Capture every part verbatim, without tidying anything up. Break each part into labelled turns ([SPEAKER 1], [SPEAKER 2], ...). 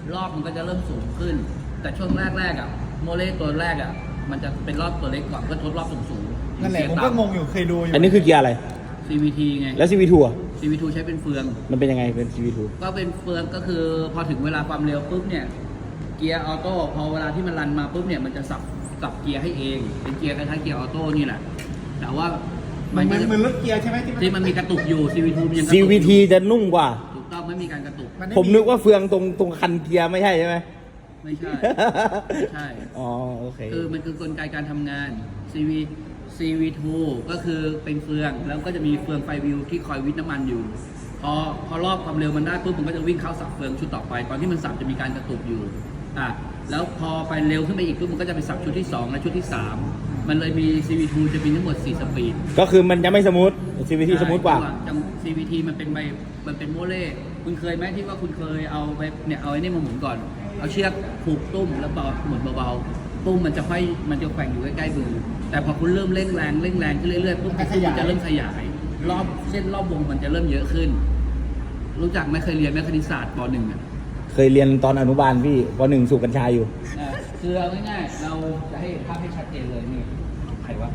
[SPEAKER 1] รอบมันก็จะเริ่มสูงขึ้น แต่ช่วงแรกๆอ่ะโมเลตัวแรกอ่ะมันจะเป็นรอบตัวเล็กก่อนก็ทดรอบสูงๆ
[SPEAKER 2] นั่นแหละผมก็งงอยู่เคยดูอยู่
[SPEAKER 3] อันนี้คือเกียร์อะไร
[SPEAKER 1] ซี วี ที ไง
[SPEAKER 3] แล้ว ซี วี ทู อ่ะ
[SPEAKER 1] ซี วี ทู ใช้เป็นเฟือง
[SPEAKER 3] มันเป็นยังไงเป็น ซี วี ทู
[SPEAKER 1] ก็เป็นเฟืองก็คือพอถึงเวลาความเร็วปุ๊บเนี่ยเกียร์ออโต้พอเวลาที่มันรันมาปุ๊บเนี่ยมันจะสับสับเกียร์ให้เองเป็นเกียร์คล้ายๆเกียร์ออโต้นี่แหละแต่ว่า
[SPEAKER 2] มั
[SPEAKER 1] มัน น
[SPEAKER 2] เหมื
[SPEAKER 1] ก็
[SPEAKER 2] อน
[SPEAKER 1] จะ
[SPEAKER 2] เหมือนรถเกียร์ใช่ไหมที่
[SPEAKER 1] ที่มันมีกระตุกอยู่ ซี วี ทู มันยังกระ
[SPEAKER 3] ซี
[SPEAKER 1] ตุก
[SPEAKER 3] วี ที จะนุ่มกว่า
[SPEAKER 1] ถูกต้องไม่มีการกระตุก
[SPEAKER 2] นไ
[SPEAKER 3] ผมนึกว่าเฟืองตรงตรงคันเกียร์ไม่ใช่ใช่ไหม
[SPEAKER 1] ไม่ใช่ไม่ใช่
[SPEAKER 3] อ๋อโอเค
[SPEAKER 1] คือมันคือกลไกการทำงาน ซี วี ซี วี ทู ก็คือเป็นเฟืองแล้วก็จะมีเฟืองไฟวิวที่คอยวิทน้ำมันอยู่ พอพอรอบความเร็วมันได้ปุ๊บมันก็จะวิ่งเข้าสับเฟืองชุดต่อไปตอนที่มันสับจะมีการกระตุกอยู่อ่ะแล้วพอไปเร็วขึ้นไปอีกปุ๊บมันก็จะไปสับชุดที่สองและชุดที่สามมันเลยมี ซี วี ทู จะมีทั้งหมดสี่สปีด
[SPEAKER 3] ก็คือมันจะไม่สมูท ซี วี ที สมูทกว่า
[SPEAKER 1] จัง ซี วี ที มันเป็นใบมันเป็นโมเล่คุณเคยไหมที่ว่าคุณเคยเอาไปเนี่ยเอาไอ้นี่มาหมุนก่อนเอาเชือกผูกตุ้มแล้วเบาหมุนเบาๆตุ้มมันจะค่อยมันจะแกว่งอยู่ใกล้ๆมือแต่พอคุณเริ่มเร่งแรงเร่งแรงขึ้นเรื่อยๆปุ๊บมันจะเริ่มขยายรอบเส้นรอบวงมันจะเริ่มเยอะขึ้น รู้จักไหมเคยเรียนไหมคณิตศาสตร์ป หนึ่งอ่ะ
[SPEAKER 3] เคยเรียนตอนอนุบาลพี่ปหนึ่งสูบกัญชาอยู่
[SPEAKER 1] อ่าคือเอาง่ายๆเราจะให้ภาพให้ชัดเจนเลยนี่ใครวะ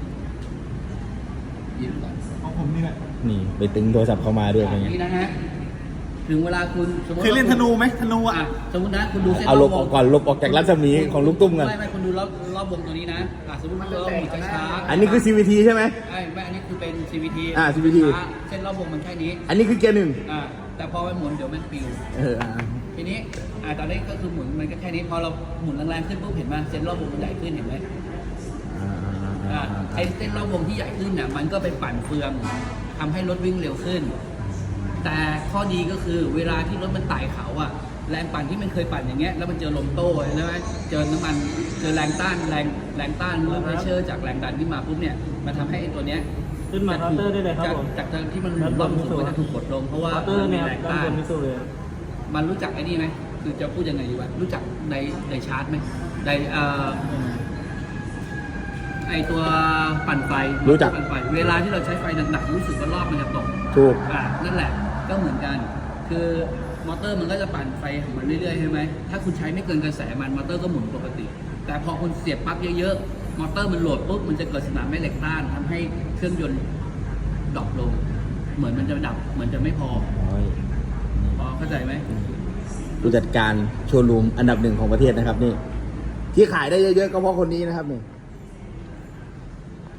[SPEAKER 1] ยืนก่อน
[SPEAKER 2] ของผมนี่แหละ
[SPEAKER 3] นี่ไปตึงโทรศัพท์เข้ามาด้วยอะไร
[SPEAKER 1] อ
[SPEAKER 3] เงี้
[SPEAKER 1] ย่าง
[SPEAKER 3] ย
[SPEAKER 1] นี้นะฮะถึงเวลาคุณสมมติ
[SPEAKER 2] เคยเล่นธนูไหมธนู
[SPEAKER 1] อ่ะ
[SPEAKER 2] อ่ะ
[SPEAKER 1] สมมตินะคุณดูเส้น
[SPEAKER 3] เอาลบ
[SPEAKER 1] ร
[SPEAKER 3] อ
[SPEAKER 1] ว
[SPEAKER 3] อง กก่อนลบออกจากรัศมีของลูกตุ้มกัน
[SPEAKER 1] ไม่ไม่คุณดูรอบรอบวงตัวนี้นะอ่ะสมมติมันเราหมุนช้าๆ
[SPEAKER 3] อันนี้คือ ซี วี ที ใช่ไหม
[SPEAKER 1] ไอ้ไม่อันนี้คือเป็น ซี วี ที
[SPEAKER 3] อ่า ซี วี ที
[SPEAKER 1] ช้าเส้นรอบวงมันแค่นี้
[SPEAKER 3] อันนี้คือเกียร์หนึ่ง
[SPEAKER 1] อ่าแต่พอไปหมุนเดี๋ยวมันปิว
[SPEAKER 3] เอออ่า
[SPEAKER 1] ทีนี้อ่าตอนนี้ก็คือหมุนมันก็แค่นี้พอเราหมุนแรงๆขึ้นปุ๊บเห็นไหมเส้นรอบวงมันใหญ่ขึ้นเห็นไหม
[SPEAKER 3] อ่าอ่าอ่า
[SPEAKER 1] อ่า
[SPEAKER 3] อ่า
[SPEAKER 1] ไอ้เส้นรอบวงที่ใหญ่ขึ้นเนี่ยมันก็ไปปั่นเฟืองทำให้รถวิ่งเร็วขึ้น แต่ข้อดีก็คือเวลาที่รถมันไต่เขาอะแรงปั่นที่มันเคยปั่นอย่างเงี้ยแล้วมันเจอลมโต้ใช่ไหมเจอน้ำมันเจอแรงต้านแรงแรงต้านเมื่อเพรสเชอร์จากแรงดันที่มาปุ๊บเนี่ยมันทำให้ไอ้ตัวเนี้ย
[SPEAKER 4] ขึ้นมาเคาน์เตอร์ได้เลยครับ
[SPEAKER 1] จาก
[SPEAKER 4] ผม
[SPEAKER 1] จากเดิมที่มันรอบสูงก็จะถูกกดลงเพราะว่า
[SPEAKER 4] เคาน์เตอร์
[SPEAKER 1] มันมี
[SPEAKER 4] เนี่ย
[SPEAKER 1] แรง
[SPEAKER 4] ด้าน
[SPEAKER 1] ต้าน
[SPEAKER 4] บนมิสูเลย
[SPEAKER 1] มันรู้จักไอ้นี่ไหมคือจะพูดยังไงดีวะรู้จักไดไดชาร์จไหมไดเอ่อไอตัวปั่นไฟ
[SPEAKER 3] รู้จัก
[SPEAKER 1] ปั่นไฟเวลาที่เราใช้ไฟหนักๆรู้สึกว่ารอบมันจะตก
[SPEAKER 3] ถูก
[SPEAKER 1] อ่ะนั่นแหละก็เหมือนกัน คือมอเตอร์มันก็จะปั่นไฟของมันเรื่อยๆใช่ไหมถ้าคุณใช้ไม่เกินกระแสมันมอเตอร์ก็หมุนปกติ แต่พอคุณเสียบปลั๊กเยอะๆมอเตอร์มันโหลดปุ๊บมันจะเกิดสนามแม่เหล็กต้านทำให้เครื่องยนต์ดรอปลง เหมือนมันจะดับเหมือนจะไม่พอ
[SPEAKER 3] โอ้ย
[SPEAKER 1] พอเข้าใจไหม
[SPEAKER 3] ผู้จัดการโชว์รูมอันดับหนึ่งของประเทศนะครับนี่ ที่ขายได้เยอะๆก็เพราะคนนี้นะครับนี่